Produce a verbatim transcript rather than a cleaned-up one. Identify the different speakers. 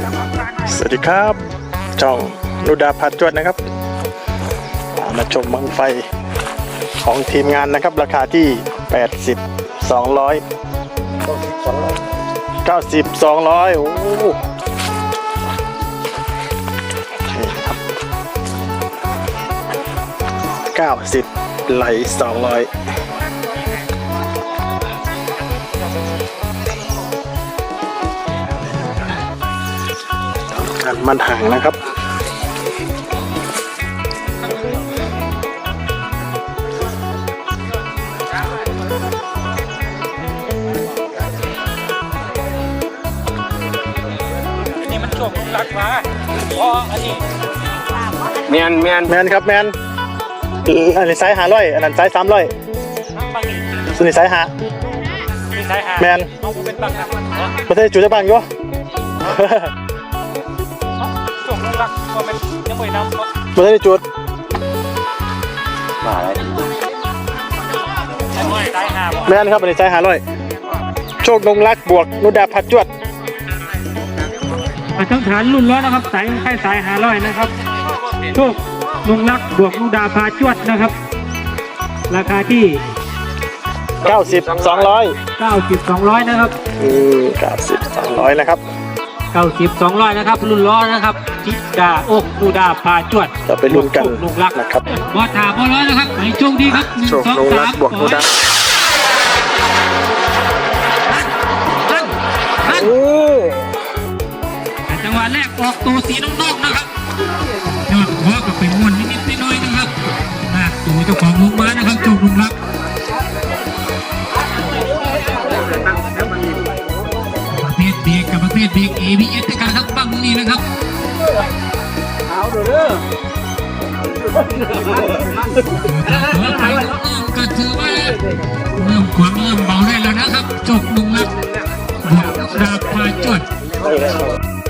Speaker 1: สวัสดีครับช่องนุดาพัดจวดนะครับมาชมบังไฟของทีมงานนะครับราคาที่แปดสิบ สองร้อย เก้าสิบ สองร้อยโอ้นี่ครับเก้าสิบไหลสองร้อยการมันห่างนะครับ
Speaker 2: นี่มันช่วงรักมาพออันนี้
Speaker 3: แมนแมน
Speaker 1: แมนครับแมนอันนี้ไซส์หาร้อยอันนั้นไซส์สามร้อย
Speaker 2: บางนี่
Speaker 1: ส่วนนี้ไซส์หา
Speaker 2: มีสายหา
Speaker 1: แมน
Speaker 2: เอาเป็นบางนะ
Speaker 1: ประเทศจุดจะบังอยู่
Speaker 2: ช่วงรักก็เป็นยังไม่นำ
Speaker 1: ประเทศจุด
Speaker 3: มาอะไร
Speaker 2: สายหา
Speaker 1: แมนครับอันนี้ไซส์หาร้อยโชคนงรักบวกนุดาพัดจวด
Speaker 2: มาทั้งฐานรุ่นร้อยนะครับสายไข่สายหาร้อยนะครับโชคลุงรักบวกลุงดาพาจวดนะครับ ราคาที่
Speaker 1: เก้าสิบ สองร้อย
Speaker 2: เก้าสิบ สองร้อยนะครับ
Speaker 1: อืมเก้าสิบ สองร้อยนะครับ
Speaker 2: เก้าสิบ สองร้อยนะครับรุ่นร้อยนะครับทิดาอกลุงดาพาจวด
Speaker 1: จะไปลุ้นกัน
Speaker 2: ลุงรัก
Speaker 1: นะครับ
Speaker 2: บอถามบอร้อยนะครับให้โชคดีครับหนึ่ง
Speaker 1: โชค
Speaker 2: สอง
Speaker 1: นง
Speaker 2: สา
Speaker 1: รัก
Speaker 2: ม
Speaker 1: บวกนุดา
Speaker 2: ท่านท่าน
Speaker 1: โอ้
Speaker 2: แต่จังหวะแรกออกตัวสีน้องๆนะครับยอดหัวก็ไปม้วนนิดๆน้อยๆนะครับหน้าตัวเจ้าของลงมานะครับโชคลุงรักประเภทเบรกกับประเภทเบรก เอ บี เอส ด้วยกันครับบังนี้นะครับเอาเด้อหัวไทยน้องๆก็ถือว่าเริ่มขวางเริ่มเบาได้แล้วนะครับโชคลุงรักบวกดาบพาจวด